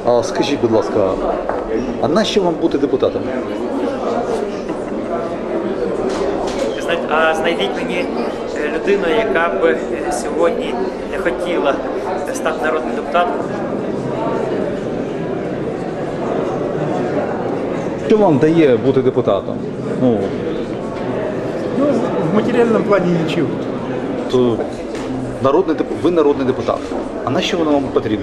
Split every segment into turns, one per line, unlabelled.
А скажіть, будь ласка, а нащо вам бути депутатом?
А знайдіть мені людину, яка б сьогодні не хотіла стати народним депутатом.
Що вам дає бути депутатом?
В материальном плане ничего.
То ви народний депутат. А нащо воно вам потрібно?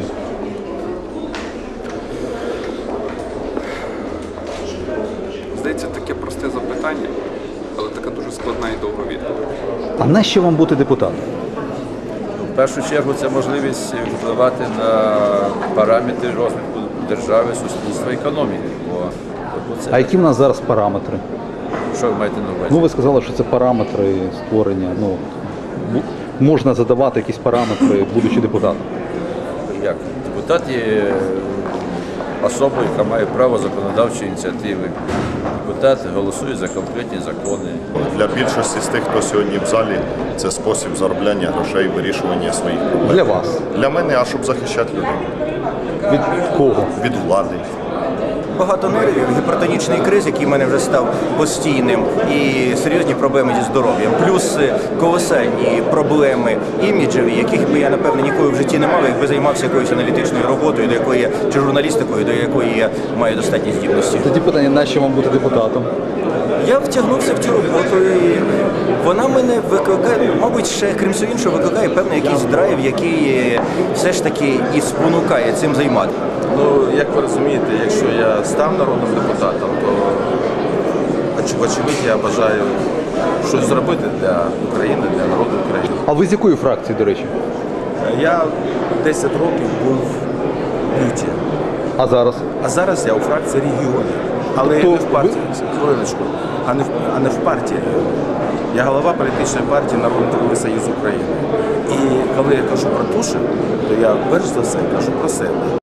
Здається, таке просте запитання, але така дуже складна і довга відповідь.
А нащо вам бути депутатом?
В першу чергу це можливість впливати на параметри розвитку держави, суспільства, економіки.
А які в нас зараз параметри?
Що ви маєте на увазі?
Ну, ви сказали, що це параметри створення. Можна задавати якісь параметри, будучи депутатом.
Як? Депутат є особою, яка має право законодавчої ініціативи. Депутат голосує за конкретні закони.
Для більшості з тих, хто сьогодні в залі, це спосіб заробляння грошей, вирішування своїх проблем.
Для вас?
Для мене, а щоб захищати людей.
Від кого?
Від влади.
Багато нервів, гіпертонічний криз, який в мене вже став постійним, і серйозні проблеми зі здоров'ям. Плюс колосальні проблеми іміджеві, яких би я, напевно, ніколи в житті не мав, якби займався якоюсь аналітичною роботою, чи журналістикою, до якої я маю достатні здібності.
Тоді питання, нащо вам бути депутатом?
Я втягнувся в цю роботу, і вона мене викликає, мабуть, ще, крім всього іншого, викликає певний якийсь драйв, який все ж таки і спонукає цим займатися.
Ну, як ви розумієте, якщо я став народним депутатом, то очевидь я бажаю щось зробити для України, для народу України.
А ви з якої фракції, до речі?
Я 10 років був в люті,
А зараз?
а зараз я у фракції регіонів. Але
То
не в партії, хвилиночку, а не в партії. Я голова політичної партії Народний трудовий союз України. І коли я кажу про Тушин, то я перш за все кажу про себе.